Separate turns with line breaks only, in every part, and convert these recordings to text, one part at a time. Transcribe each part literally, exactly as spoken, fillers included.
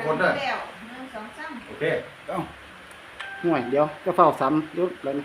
คนด้วย
แล้วหนึ่งสองสาม
โอเค
ห่วยเดี๋ยวก็เฝ้าซ้ำยุดแล้วนี่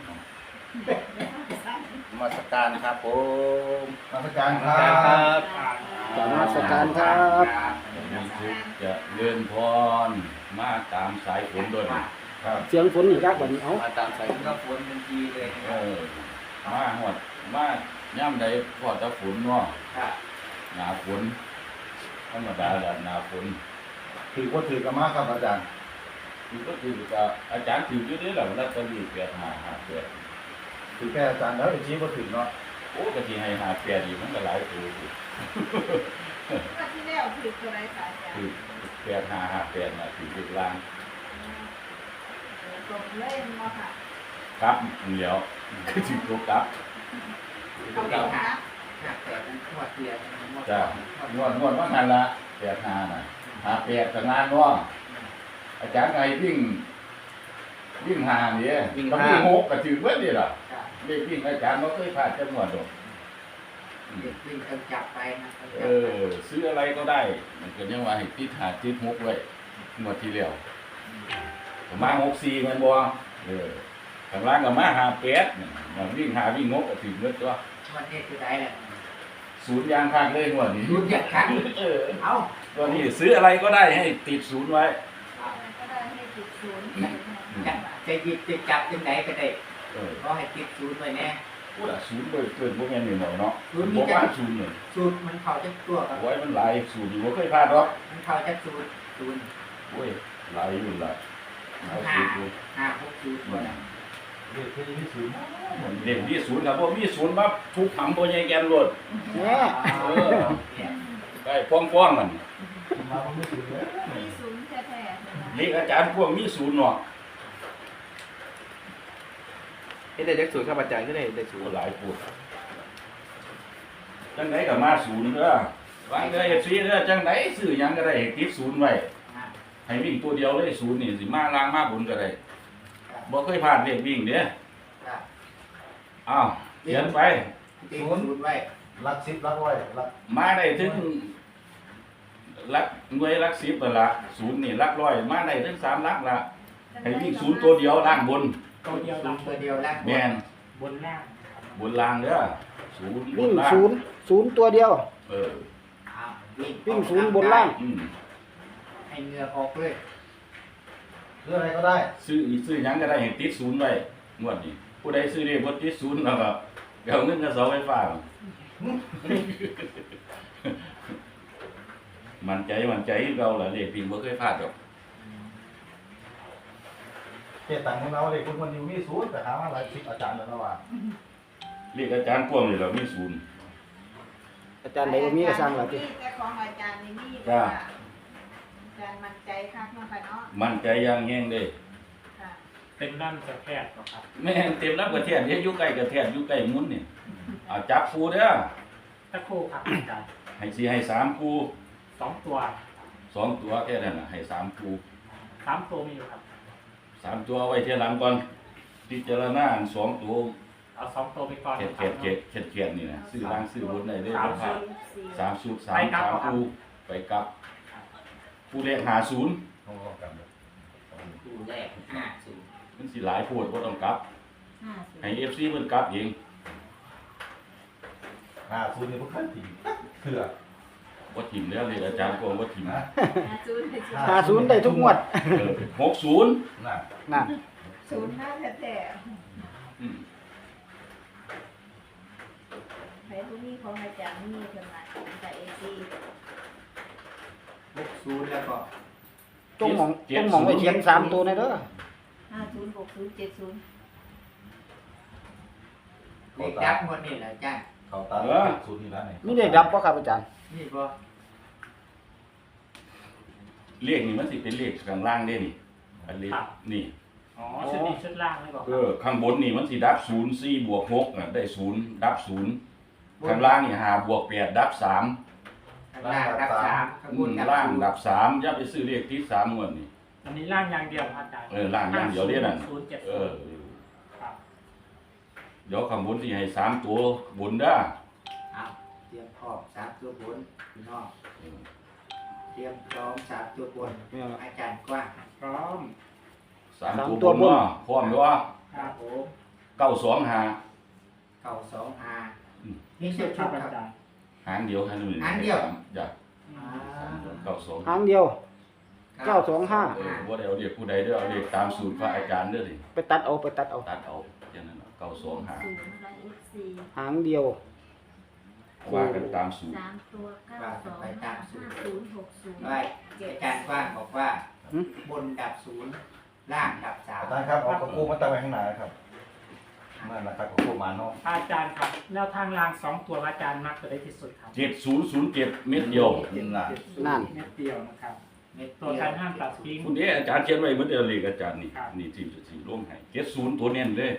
มาสการครับผม
มาสการครั
ครับ
กราบนมัสการครับ
มีทุกจะเลื่อนพรมาตามสายฝนด้วยนะครับ
เสียงฝนอีกแล้วบัดนี้เอ้า
มาตามสายฝนก็ฝนทันทีเลยเออมาหอดมาย่ำใดพอจะฝนเนาะหนาฝนธรรมดาแหละหนาฝน
ถือว่าถือกันมากครับอาจารย์
คือก็คือกับอาจารย์ถืออยู่ด้วยแหละแล้วจะรีบเปียหาหาเปีย
ถือแค่อาจารย์แล้วไอ้ชี้ว่าถือเนาะ
โอ้กะทิให้หาเปียดีมันก็หลายตัวอยู่
ก็ที่แล้วถือตัวไรสายจ้ะ
คือเปียหาหาเปียน่ะถือลูกล่าง
ตรงเล่นมาค่ะ
ครับเดี๋ยวคือถือตัวครับ
เขาเล่นนะ
จ้ะนวดนวดว่างันละเปียหาน่ะหาเปียกับงานเนาะอาจารย์ไงวิ่งวิ่งหาเนี่ยวิ่งวิ่งหกก็ถือเว้ยนี่ล่ะเด็กวิ่งอาจารย์ไม่เคยพลาดจังหวัดหรอก
เด็กวิ่งกันจับไปนะ
เออซื้ออะไรก็ได้ มันก็ยังว่าให้ติดหาติดหกไว้หมดทีเดียวผมมาหกสี่มันบัวเออข้างล่างก็มาหาแปดมันวิ่งหาวิ่งงกก็ถึงเมื่อตัว
วันนี้คือได้แหละ
ศูนย์ยางข้างเลยหัวนี้
รู้จักกัน
เออ
เอา
ตัวนี้ซื้ออะไรก็ได้ให้ติดศูนย์ไว้
ก็ได้ให้ติดศูนย์
จะจะหยิบจะจับยังไงก็ได้
เออ
ก็ให้ติดศูนย์ไว้แน่
พูดอะศูนย์เลยเกินพวกแม่นหน่อยเนาะ
ศูนย์
บ
นี่
อก
จะ
ว่าศูนย์เลย
ศูนย์มันเข้าจะตัวกับ
โอ้ยมันหลายศูนย์อยู่ว่าเคยพลาดหรอก
มันเข้าจะศูนย์ศูนย์
โอ้ยหลายอยู่หลายหลาย
ห้า
ศูนย์อยู่
ห้าหกศูนย์ตัวนั้น
เด็กที่นี่ศูนย์
เด็กที่ศูนย์ครับพวกมีศูนย์มาทุกถังตัวใหญ่แกนรถ
แหน่
เออได้ฟ้องๆมัน
มาผมไม่ศูนย์เลย
มีศูนย์แท้ๆ
เรียกอาจารย์พวกมีศูนย์เนาะ
เฮ็ดได้จักสูตรครับอาจารย์ก็ได้ได้สู
โอ้
ตร
หลายพูดจังไหนก็มาศูนย์เด้อวางเด้อเอฟซีเด้อจังไหนซื้อหยังก็ได้ให้ติดศูนย์ไว้ให้วิ่งตัวเดียวเลยศูนย์นี่สิมาล่างมาบนก็ได้บ่เคยผ่านเลขวิ่งเด้ออ้าวเขียนไป
ติดศูนย์ไว้
รักสิบรักร้อยรัก
มาได้ถึงหลักหน่วยหลักสิบนั่นล่ะศูนย์นี่หลักร้อยมาได้ถึงสามหลักละให้วิ่งศูนย์ตัวเดียวล่างบน
ตัวเดียวหลังตัวเดียวแล้ว
แม่น
บนล่าง
บนล่างเด้อศูนย์บ
วิ่
น
ง
ล่าง
ศูนย์ศูนย์ตัวเดียว
เออ
อ้าววิ่ง
วิ่งศูนย์บนล่าง
อืม
ให้เหงือออกเลย
ซื้ออะไรก็ได้
ซื้อซื้อหยังก็ได้ให้ติดศูนย์ไว้งวดนี้ผู้ใดซื้อเลขบ่ติดศูนย์แล้วก็เอาเงินกับเสาไฟฟ้า มั่นใจมั่นใจคือเราล่ะเลขพิงบ่เคยพลาดดอก
เก็บตังค์ของเราเลยคุณคนนี้มีศูนย์แต่หามาหลายสิบอาจารย์แล้วนะว่า
เลขอาจารย์กวางนี่เรามีศูนย์
อาจารย์ไหนก็มีก็สร้างแล้วติ
แต่ของอาจารย์นี่มีว่าอาจารย์มั่นใจคักเนาะค่ะเนาะ
มั่นใจอย่างแฮงเด้
ค่ะ
เป็นน้ำจะแพทย์ครับ
แม่นเต็มรับกระเทียนเฮ็ดอยู่ใกล้กระเทียนอยู่ใกล้มุ้นนี่เอาจับคู่เด้อ
ตะคู่ครับอาจารย์
ให้สิให้สามคู่
สองตัว
สองตัวแค่นั้นน่ะให้สามคู่
สามตัวมีอยู่ครับ
สามตัวเอาไว้เทียหลังก่อนพิจารณาอันสองตัว
เอาสองตัวไปก่อน
เข็ดเข็ดเข็ดเข็ดเข็ดนี่นะซื้อล่างซื้อบนได้เด้อ
สาม
ครั
ชุ
บ
ด
สี่
สามสูตรสามสามคู่ไปกลับคู่เลขหาศูนย์
โอ้กันเลย
คู่แรกห้าศูนย์
มันสิหลายโพดบ่ต้องกลับ
ห้าศูน
ให้
ย์
เอฟซีเพิ่นกลับเอง
ห้าศูนย์นี่พวกขั้นถี่เถื่อ
บ่ถิ่มแล้วเลขอาจารย์กวางบ่ถิ่ม
นะ
ห้าศูนย์
หาศูนย์ได้ทุกงวด
เออหกศูนย์
น่ะ
นั่น
ศูนย์ห้าแท้
อืม
ๆใครผู้นี้ของอาจารย์มีเพิ่นมาแต่เอซี
หกศูนย์แล้วก็
จงหมองจงหมองไว้เขียนสามตัวในเด้อ
ห้าศูนย์หกศูนย์เจ็ดศูนย์
เลขดับหมดนี่แหละอาจารย์
เขาตาศูนย์นี่แล้วนี่
มีได้ดับบ่ครับอาจารย์
นี่บ่
เลขนี่มันสิเป็นเลขข้างล่างเด้นี่อันเลขนี่
อ๋อชุดนี้ชุดล่างเลยบอก
เออข้างบนนี่มันสิดับศูนย์สี่บวกหกน่ะได้ศูนย์ดับศูนย์ข้างล่างนี่ห้าบวกแปดดับสาม
ข้างล่างดับสามข้างบ
อื
น
ม
ดับ
ล่าง
ศูนย์
ดับสามอย่าไปซื้อเลขที่สามงวดนี่
อันนี้ล่างอย่างเดียวครับอาจารย์
เออล่างอย่างเดียวเด้นั่น
ศูนย์เจ็ด
เอ
ศู
อน
ย์ครับ
เดี๋ยวข้างบนสิให้สามตัวบนเด้อ
เอาเตรียมพร้อมสามตัวบนพี่น้อง
เออ
เตรียมพร้อมสามตัวบน
ไม่เอาละ
อาจารย์กว้าง
พร้อม
สาม
สาม
ตัว
ตัว
บบ น
น
เนาะพร้อมอยู่ว่า
ครับผม
เก้าสองหา
เก่าสองอา
อืม
นี่
ชุ
เชื่อ
ดค
ชุ
รับ
ด
อา
ครับ
จารย์
หางเดียวให้หนึ่ง
หางเดียว
จ้ะ
อ่า
เก้าสอง
หางเดียว เก้าสองห้า
เออบ่ได้เอาเรียกผู้ใดเด้อเอาเรียกตามสูตรพระอาจารย์เด้อสิ
ไปตัดเอาไปตัดเอา
ตัดเอาอย่างนั้นเนาะเก้าสองหา
ศูนย์ร้อยเอฟซี
หางเดียว
ว่ากันตามสูตร
สามตัวเก้าสองห้าห้าศูนย์หกศูนย์
ไว้อาจารย์กว้างบอกว่า
หึ
บนดับศูนย์ล่างดับสาม
อาจารย์ครับเอากระคู่มาตั้งไว้ข้างหน้าครับนั่นแหละครับกระคู่มาเนาะ
อาจารย์ครับแนวทางรางสองตัวอาจารย์มักจะได้ที่สุดครับ
เจ็ดศูนย์ศูนย์เจ็ดเม็ดเดียว
ยิงล่ะ
นั่น
เม็ดเดียวนะครับ
เม็ด
ตัว
เดีย
การห้ามตัดทิ้ง
คุณเด้อาจารย์เขียนไว้เหมือนเดิมเลยอาจารย์นี่
ครับ
นี่ทีมสีร่วมให้เจ็ดศูนย์ตัวเน้นเลย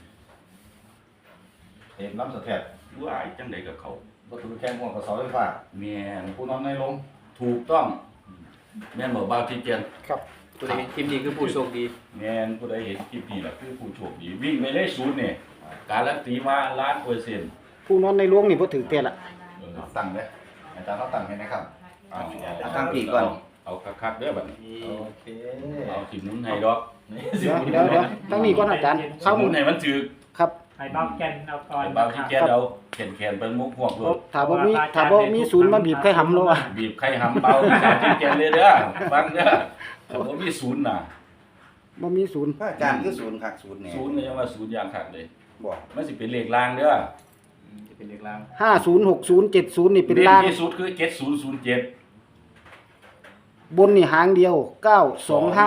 เห็นน้ำสะเทียด
ว่าจังใดกับเขา
วัตถุแข็งห่วงกับเสาไฟฟ้า
แม่น
ผู้นอนในลง
ถูกต้องแม่นบอกบ่าวที่เจน
ครับ
ตัวนี้ทีมดีคือผู้โชคดี
แม่นผู้ใดเห็นคลิปนี้ล่ะคือผู้โชคดีวิ่งไปเลยศูนย์เนี่ยการันตีมาล้านเปอร์เซ็นต์
ผู้นอนในหลวงนี่บ่ถือเตะละ
เออ
ตั้งเลยอาจารย์เขาตั้งให้นะครับ
เอา
เอาตั้งปีกก่อน
เอาคักๆเด้อบัดนี้
โอเค
เอาสิหมุนให้ดอก
นี่
เดี๋ยวเดี๋ยวเดี๋ยวตั้งนี้ก่อนอาจารย์
สิ
เข้า
หมุนให้มันถือ
ครับ
ไอ้เบ้าแกนเอาก่อน
ไอ้บ่าวที่เจนเอาแขนๆเป็นมุกหวกเลย
ถ้าบ่มีถ้าบ่มีศูนย์มาบีบไข่หำแล้วอ่ะ
บีบไข่หำเบาสามที่เจนเลยเด้อฟังเด้อถ้าบ่มีศูนย์น่ะ
บ่มีศูนย์
พระอาจารย์คือศูนย์คักศูนย์เนี่ย
ศูนย์เนี่ยยังว่าศูนย์อย่างคักเลย
บอก
มันสิเป็นเลขล่างเด้อ
จะเป็นเด็กลาง
ห้าศูนย์หกศูนย์เจ็ดศูนย์นี่เป็นล่าง
ที่สุดคือเจ็ดศูนย์ศูนย์เจ็ด
บนนี่หางเดียวเก้าสองห้า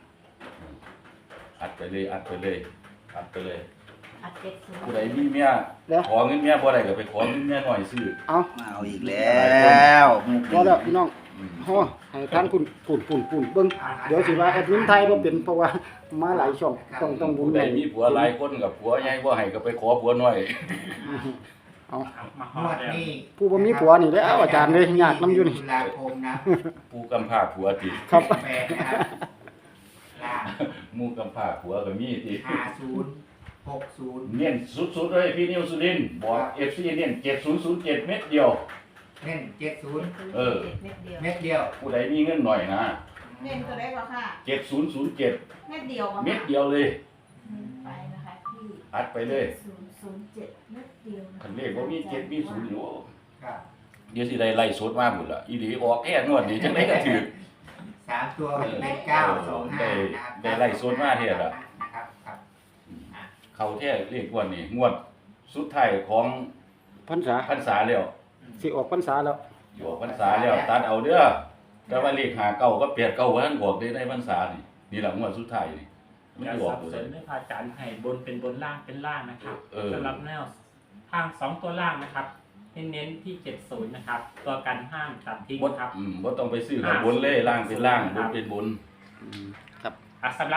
อัดไปเลยอัดไปเลยอัดไปเลย
อัดเจ็ดศูนย์
ผู้ใดมีเมีย
เดี๋ยว
ขอเงินเมียบ่ได้ก็ไปขอเงินเมียหน่อยซื้อ
เอา
มาเอาอีกแล้ว
รอแล้วพี่น้อง
อืม
ฮอให้ทางคุณปุ่นปุ่นปุ่นเบิ่งเดี๋ยวสิว่าแอดมินไทยบ่เป็นเพราะว่ามาหลายช่องต้องต้องบุญ
ผู้ใดมีผัวหลายคนกับผัวใหญ่บ่ให้ก็ไปขอผัวน้อย
เอา
มาห
ง
อ
ว
ด
ด
แล้ว
นี้
ผู้บ่มีผัวนี่แหล้วอาจารย์เลยยากนํอยู่นี่
ตุลาคมนะ
ผู้กำพร้าผัวติ
ครับ
แปดนะครับล่าง
หมู่กำพร้าผัวก็มีติ
ห้าศูนย์หกศูนย์
เน้นสุดๆเลยพี่นิวสุรินทร์บอก เอฟ ซี เน้นเจ็ดศูนย์ศูนย์เจ็ดเม็ดเดียว
เน้นเจ็ดศูนย์
เออ
เม็ดเดียว
เม็ดเดียว
ผู้ใดมีเงินหน่อยนะ
เน้นตัวได้กว่าค่ะ
เจ็ดศูนย์ศูนย์เจ็ด
เม็ดเดียวกว่า
เม็ดเดียวเลย
ไปนะคะที่
อัดไปเลย
ศูนย์ศูนย์เจ็ดเม็ดเดียวะะ
คันเลขบ่มีเจ็ดมีศูนย์อยู่
ครับ
เดี๋ยวสิได้ไล่สดมาหมดละอีหลีออกแค่นวดนี่จังไดก็ถือ
สามตัวเป็นเก้าสองห้านะครับ
ได้ไล่โซนมาเทียบอะ
นะครับครับ
เขาแท้เรียกว่านี่งวดสุดท้ายของ
พรรษา
พรรษาแล้ว
สิออกพรรษาแล้ว
อยู่ออกพรรษาแล้วตัดเอาเด้อแต่ว่าเลขหาเก้าก็เปลี่ยนเก้าว่าท่านบอกได้ในพรรษานี่นี่แหละงวดสุดท้ายนี่มัน
อย่า
สิออ
สั
ก
บ
ตัว
ส
ใด
นไม่พาอาจารย์ให้บนเป็นบนล่างเป็นล่างนะครับ
เออ
สำหรับแนวทางสองตัวล่างนะครับเน้นๆที่เจ็ดศูนย์นะครับ ตัวกันห้ามตัดทิ้ง
บ่
ครับ
อืมบ่ต้องไปซื้อข้างบนเลยล่างเป็นล่างบนเป็นบน
อืมครับ
อ่ะสำหรับ